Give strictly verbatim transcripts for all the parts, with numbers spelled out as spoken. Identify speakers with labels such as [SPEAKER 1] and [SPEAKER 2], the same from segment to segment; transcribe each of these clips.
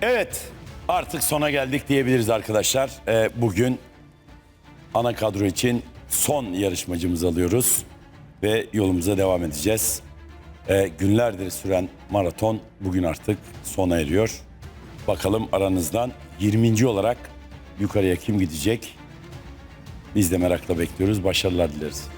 [SPEAKER 1] Evet, artık sona geldik diyebiliriz arkadaşlar. Ee, bugün ana kadro için son yarışmacımızı alıyoruz ve yolumuza devam edeceğiz. Ee, günlerdir süren maraton bugün artık sona eriyor. Bakalım aranızdan yirminci olarak yukarıya kim gidecek? Biz de merakla bekliyoruz. Başarılar dileriz.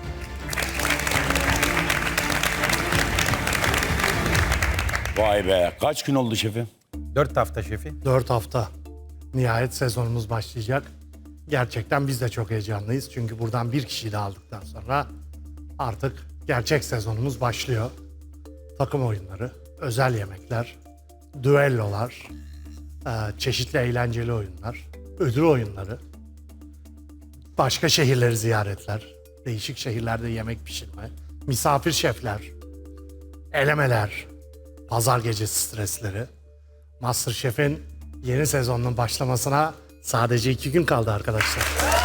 [SPEAKER 1] Vay be, kaç gün oldu şefim?
[SPEAKER 2] Dört hafta şefi.
[SPEAKER 3] Dört hafta. Nihayet sezonumuz başlayacak. Gerçekten biz de çok heyecanlıyız. Çünkü buradan bir kişiyi de aldıktan sonra artık gerçek sezonumuz başlıyor. Takım oyunları, özel yemekler, düellolar, e, çeşitli eğlenceli oyunlar, ödül oyunları, başka şehirleri ziyaretler, değişik şehirlerde yemek pişirme, misafir şefler, elemeler, pazar gecesi stresleri. MasterChef'in yeni sezonunun başlamasına sadece iki gün kaldı arkadaşlar.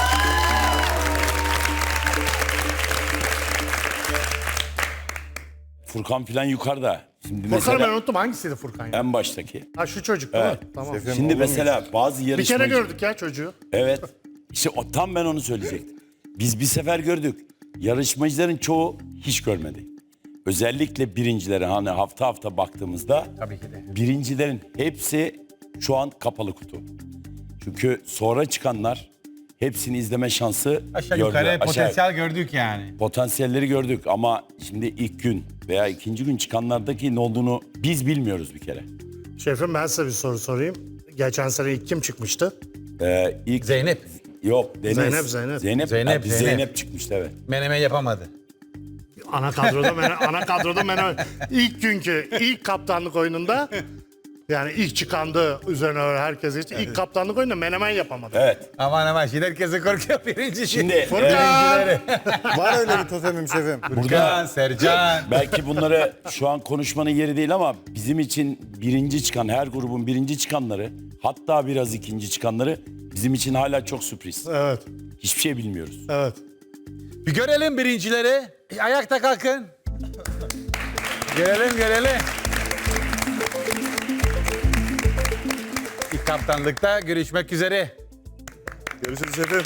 [SPEAKER 1] Furkan filan yukarıda. Şimdi
[SPEAKER 3] Furkan'ı ben
[SPEAKER 1] mesela
[SPEAKER 3] unuttum. Hangisiydi Furkan ya?
[SPEAKER 1] en baştaki.
[SPEAKER 3] Ha şu çocuk değil
[SPEAKER 1] Evet.
[SPEAKER 3] mi? Tamam.
[SPEAKER 1] Şimdi mesela bazı
[SPEAKER 3] Bir
[SPEAKER 1] yarışmacı...
[SPEAKER 3] kere gördük ya çocuğu.
[SPEAKER 1] Evet. İşte o, tam ben onu söyleyecektim. Biz bir sefer gördük. Yarışmacıların çoğu hiç görmedi. Özellikle birincilere hani hafta hafta baktığımızda
[SPEAKER 2] Tabii ki de.
[SPEAKER 1] birincilerin hepsi şu an kapalı kutu. Çünkü sonra çıkanlar hepsini izleme şansı
[SPEAKER 2] Aşağı
[SPEAKER 1] gördüler.
[SPEAKER 2] yukarı
[SPEAKER 1] Aşağı-
[SPEAKER 2] potansiyel gördük yani.
[SPEAKER 1] Potansiyelleri gördük ama şimdi ilk gün veya ikinci gün çıkanlardaki ne olduğunu biz bilmiyoruz bir kere.
[SPEAKER 3] Şefim ben size bir soru sorayım. Geçen sene ilk kim çıkmıştı?
[SPEAKER 1] Ee, ilk
[SPEAKER 2] Zeynep.
[SPEAKER 1] Yok Deniz.
[SPEAKER 3] Zeynep, Zeynep.
[SPEAKER 1] Zeynep,
[SPEAKER 2] Zeynep,
[SPEAKER 1] ha, bir
[SPEAKER 2] Zeynep.
[SPEAKER 1] Zeynep çıkmıştı evet.
[SPEAKER 2] Menemen yapamadı.
[SPEAKER 3] Ana kadroda mene, ana kadroda mene, ilk günkü ilk kaptanlık oyununda yani ilk çıkandı üzerine öyle herkes için ilk kaptanlık oyununda menemen yapamadı.
[SPEAKER 1] Evet.
[SPEAKER 2] Aman aman şimdi herkese korkuyor birinci.
[SPEAKER 1] Şimdi
[SPEAKER 3] Furkan!
[SPEAKER 4] Var öyle bir totemim şefim.
[SPEAKER 2] Furkan, Sercan.
[SPEAKER 1] belki bunları şu an konuşmanın yeri değil ama bizim için birinci çıkan, her grubun birinci çıkanları, hatta biraz ikinci çıkanları bizim için hala çok sürpriz.
[SPEAKER 3] Evet,
[SPEAKER 1] Hiçbir şey bilmiyoruz.
[SPEAKER 3] evet.
[SPEAKER 2] Bir görelim birincileri. Ayakta kalkın. Görelim görelim. İlk kaptanlıkta görüşmek üzere.
[SPEAKER 4] Görüşürüz şefim.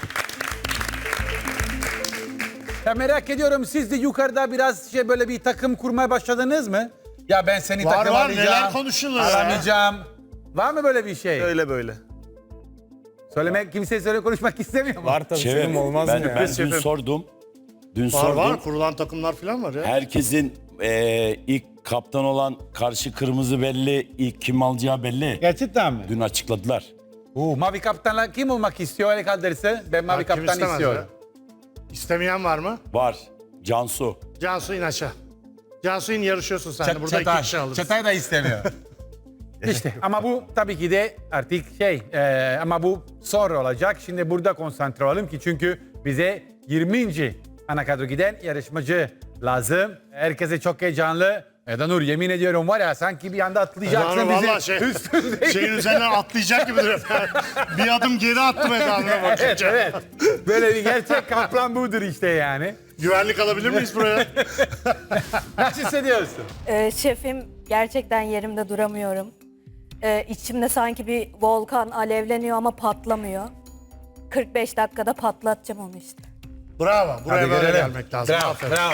[SPEAKER 2] Ya merak ediyorum siz de yukarıda biraz şey böyle bir takım kurmaya başladınız mı? Ya ben seni
[SPEAKER 3] Var,
[SPEAKER 2] takım
[SPEAKER 3] var.
[SPEAKER 2] alacağım.
[SPEAKER 3] Neler konuşuluyor ya?
[SPEAKER 2] Aramayacağım. Var mı böyle bir şey?
[SPEAKER 4] Öyle böyle.
[SPEAKER 2] Söylemek kimseye söyle konuşmak istemiyor mu?
[SPEAKER 4] Var tabii
[SPEAKER 1] Şefim,
[SPEAKER 4] şefim olmaz
[SPEAKER 1] ben,
[SPEAKER 4] mı ya?
[SPEAKER 1] ben dün
[SPEAKER 3] Şefim.
[SPEAKER 1] sordum. Dün
[SPEAKER 3] Var
[SPEAKER 1] sordum.
[SPEAKER 3] var kurulan takımlar falan var ya.
[SPEAKER 1] Herkesin eee, ilk kaptan olan karşı kırmızı belli, ilk kim alacağı belli.
[SPEAKER 2] Gerçekten mi?
[SPEAKER 1] Dün açıkladılar.
[SPEAKER 2] Oo, mavi kaptanla kim olmak istiyor el kaldırırsa? Ben mavi
[SPEAKER 3] Ha, kim
[SPEAKER 2] kaptan
[SPEAKER 3] istemez
[SPEAKER 2] istiyorum.
[SPEAKER 3] ya? İstemeyen var mı?
[SPEAKER 1] Var. Cansu.
[SPEAKER 3] Cansu in aşağı. Cansu in yarışıyorsun sen de.
[SPEAKER 2] Çat-
[SPEAKER 3] Burada iki
[SPEAKER 2] Çatay.
[SPEAKER 3] kişi alırız.
[SPEAKER 2] Çatay da istemiyor. İşte ama bu tabii ki de artık şey e, ama bu sonra olacak. Şimdi burada konsantre olalım ki çünkü bize yirminci ana kadro giden yarışmacı lazım. Herkese çok heyecanlı. Eda Nur yemin ediyorum var ya sanki bir anda atlayacaksın
[SPEAKER 3] Yani
[SPEAKER 2] bizi
[SPEAKER 3] vallahi şey,
[SPEAKER 2] üstünde.
[SPEAKER 3] şeyin üzerinden atlayacak gibi duruyor. Bir adım geri attım Eda'nına bakınca.
[SPEAKER 2] Evet evet. Böyle bir gerçek kaplan budur işte yani.
[SPEAKER 3] Güvenlik alabilir miyiz buraya?
[SPEAKER 2] Nasıl hissediyorsun?
[SPEAKER 5] Ee, şefim gerçekten yerimde duramıyorum. Ee, içimde sanki bir volkan alevleniyor ama patlamıyor. kırk beş dakikada patlatacağım onu işte.
[SPEAKER 3] Bravo. Buraya
[SPEAKER 2] Hadi
[SPEAKER 3] böyle
[SPEAKER 2] görelim.
[SPEAKER 3] gelmek lazım.
[SPEAKER 2] Bravo,
[SPEAKER 3] Aferin.
[SPEAKER 2] bravo.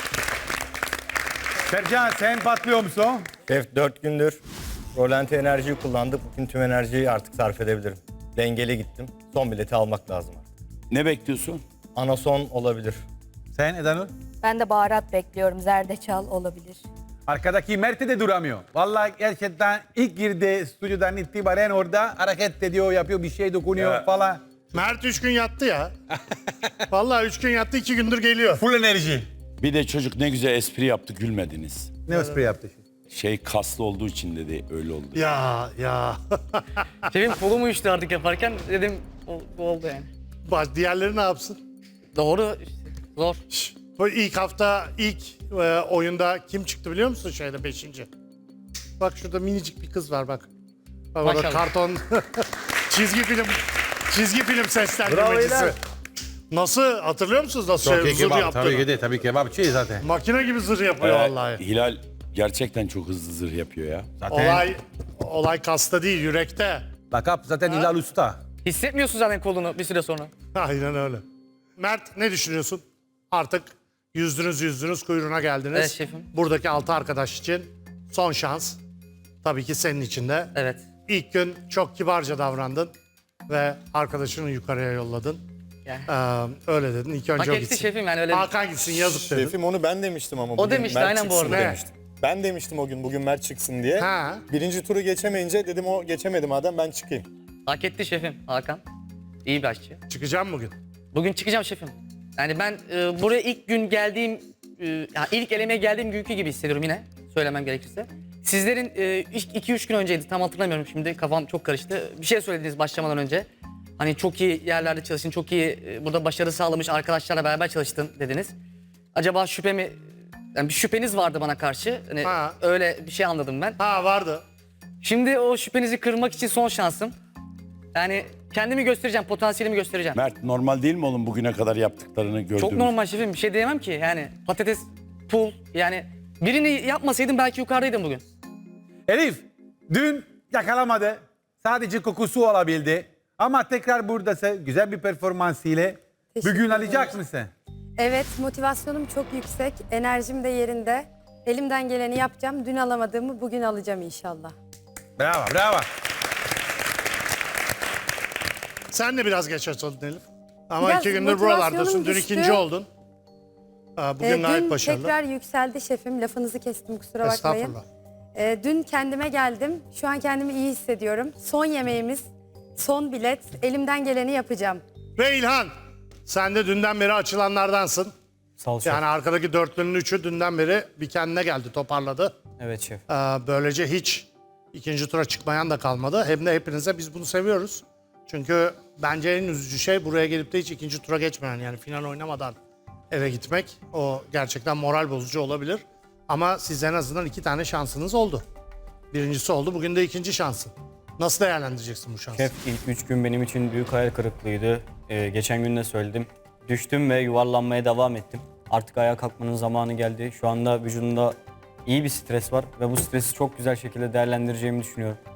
[SPEAKER 2] Sercan sen patlıyor musun?
[SPEAKER 4] Şef dört gündür rolanti enerjiyi kullandık. Bugün tüm enerjiyi artık sarf edebilirim. Dengeli gittim. Son bileti almak lazım artık.
[SPEAKER 1] Ne bekliyorsun?
[SPEAKER 4] Ana son olabilir.
[SPEAKER 2] Sen Eda Nur?
[SPEAKER 5] Ben de baharat bekliyorum. Zerdeçal olabilir.
[SPEAKER 2] Arkadaki Mert'e de duramıyor. Vallahi gerçekten ilk girdi stüdyodan itibaren orada hareket ediyor, yapıyor, bir şey dokunuyor
[SPEAKER 1] Ya.
[SPEAKER 2] falan.
[SPEAKER 3] Mert üç gün yattı ya. Vallahi üç gün yattı, iki gündür geliyor.
[SPEAKER 2] Full enerji.
[SPEAKER 1] Bir de çocuk ne güzel espri yaptı, gülmediniz.
[SPEAKER 2] Ne espri yaptı?
[SPEAKER 1] Şey kaslı olduğu için dedi, öyle oldu.
[SPEAKER 3] Ya ya.
[SPEAKER 6] Şefim kolum uyuştu artık yaparken dedim o, bu oldu yani.
[SPEAKER 3] Bak diğerleri ne yapsın?
[SPEAKER 6] Doğru işte zor.
[SPEAKER 3] Bu ilk hafta ilk e, oyunda kim çıktı biliyor musun şeyde beşinci? Bak şurada minicik bir kız var bak. Bak orada
[SPEAKER 6] Maşallah.
[SPEAKER 3] karton çizgi film çizgi film
[SPEAKER 2] Bravo
[SPEAKER 3] seslendirmecisi.
[SPEAKER 2] İlhan.
[SPEAKER 3] Nasıl hatırlıyor musunuz nasıl şey, zırh yaptığını?
[SPEAKER 2] tabii ki de, tabii kebapçı zaten.
[SPEAKER 3] Makine gibi zırh yapıyor
[SPEAKER 1] Ee,
[SPEAKER 3] vallahi.
[SPEAKER 1] Hilal, gerçekten çok hızlı zırh yapıyor ya.
[SPEAKER 2] Zaten
[SPEAKER 3] Olay olay kasta değil, yürekte.
[SPEAKER 2] lakap zaten Hilal Usta.
[SPEAKER 6] Hissetmiyorsun zaten kolunu bir süre sonra.
[SPEAKER 3] Aynen öyle. Mert ne düşünüyorsun? Artık yüzdünüz yüzdünüz kuyruğuna geldiniz.
[SPEAKER 6] Evet şefim.
[SPEAKER 3] Buradaki altı arkadaş için son şans. Tabii ki senin için de.
[SPEAKER 6] Evet.
[SPEAKER 3] İlk gün çok kibarca davrandın ve arkadaşını yukarıya yolladın.
[SPEAKER 6] Yani.
[SPEAKER 3] Ee, öyle dedin. İlk önce
[SPEAKER 6] Hak
[SPEAKER 3] o
[SPEAKER 6] etti
[SPEAKER 3] gitsin.
[SPEAKER 6] şefim yani öyle.
[SPEAKER 3] Hakan gitsin yazık dedin.
[SPEAKER 4] Şefim onu ben demiştim ama.
[SPEAKER 6] O
[SPEAKER 4] bugün
[SPEAKER 6] demişti,
[SPEAKER 4] Mert
[SPEAKER 6] aynen bu
[SPEAKER 4] çıksın
[SPEAKER 6] arada.
[SPEAKER 4] demiştim. Ben demiştim o gün bugün Mert çıksın diye.
[SPEAKER 3] Ha.
[SPEAKER 4] Birinci turu geçemeyince dedim o geçemedi madem ben çıkayım.
[SPEAKER 6] Hak etti şefim Hakan. İyi bir aşçı.
[SPEAKER 3] Çıkacağım bugün.
[SPEAKER 6] Bugün çıkacağım şefim. Yani ben e, buraya ilk gün geldiğim, e, yani ilk elemeye geldiğim günkü gibi hissediyorum yine. Söylemem gerekirse. Sizlerin e, iki üç gün önceydi, tam hatırlamıyorum şimdi, kafam çok karıştı. Bir şey söylediniz başlamadan önce. Hani çok iyi yerlerde çalıştın, çok iyi e, burada başarı sağlamış arkadaşlarla beraber çalıştın dediniz. Acaba şüphe mi, yani bir şüpheniz vardı bana karşı. Hani
[SPEAKER 3] Ha.
[SPEAKER 6] öyle bir şey anladım ben.
[SPEAKER 3] Ha vardı.
[SPEAKER 6] Şimdi o şüphenizi kırmak için son şansım. Yani kendimi göstereceğim, potansiyelimi göstereceğim.
[SPEAKER 1] Mert normal değil mi oğlum bugüne kadar yaptıklarını gördüğümüz?
[SPEAKER 6] Çok normal şefim, bir şey diyemem ki. Yani patates, pul, yani birini yapmasaydım belki yukarıdaydım bugün.
[SPEAKER 2] Elif dün yakalamadı. Sadece kokusu olabildi. Ama tekrar buradasın. Güzel bir performans ile.
[SPEAKER 7] Teşekkür
[SPEAKER 2] Bugün
[SPEAKER 7] ederim.
[SPEAKER 2] alacak mısın?
[SPEAKER 7] Evet, motivasyonum çok yüksek, enerjim de yerinde. Elimden geleni yapacağım. Dün alamadığımı bugün alacağım inşallah.
[SPEAKER 2] Bravo, bravo.
[SPEAKER 3] Sen de biraz geç açıldın Elif. Ama
[SPEAKER 7] Biraz
[SPEAKER 3] iki gündür
[SPEAKER 7] motivasyonum
[SPEAKER 3] buralardasın. Dün
[SPEAKER 7] düştü.
[SPEAKER 3] ikinci oldun. Aa, Bugün
[SPEAKER 7] Ee,
[SPEAKER 3] gayet
[SPEAKER 7] dün
[SPEAKER 3] başarılı.
[SPEAKER 7] tekrar yükseldi şefim. Lafınızı kestim, kusura bakmayın.
[SPEAKER 3] Estağfurullah.
[SPEAKER 7] Ee, dün kendime geldim. Şu an kendimi iyi hissediyorum. Son yemeğimiz, son bilet. Elimden geleni yapacağım.
[SPEAKER 3] Ve İlhan, sen de dünden beri açılanlardansın.
[SPEAKER 8] Sağ ol şef.
[SPEAKER 3] Yani arkadaki dörtlünün üçü dünden beri bir kendine geldi, toparladı.
[SPEAKER 8] Evet şef.
[SPEAKER 3] Ee, Böylece hiç ikinci tura çıkmayan da kalmadı. Hem de hepinize biz bunu seviyoruz. Çünkü bence en üzücü şey buraya gelip de hiç ikinci tura geçmeyen, yani final oynamadan eve gitmek. O gerçekten moral bozucu olabilir. Ama siz en azından iki tane şansınız oldu. Birincisi oldu, bugün de ikinci şansın. Nasıl değerlendireceksin bu şansı?
[SPEAKER 8] Şef ilk üç gün benim için büyük hayal kırıklığıydı. Ee, geçen gün de söyledim. Düştüm ve yuvarlanmaya devam ettim. Artık ayağa kalkmanın zamanı geldi. Şu anda vücudumda iyi bir stres var ve bu stresi çok güzel şekilde değerlendireceğimi düşünüyorum.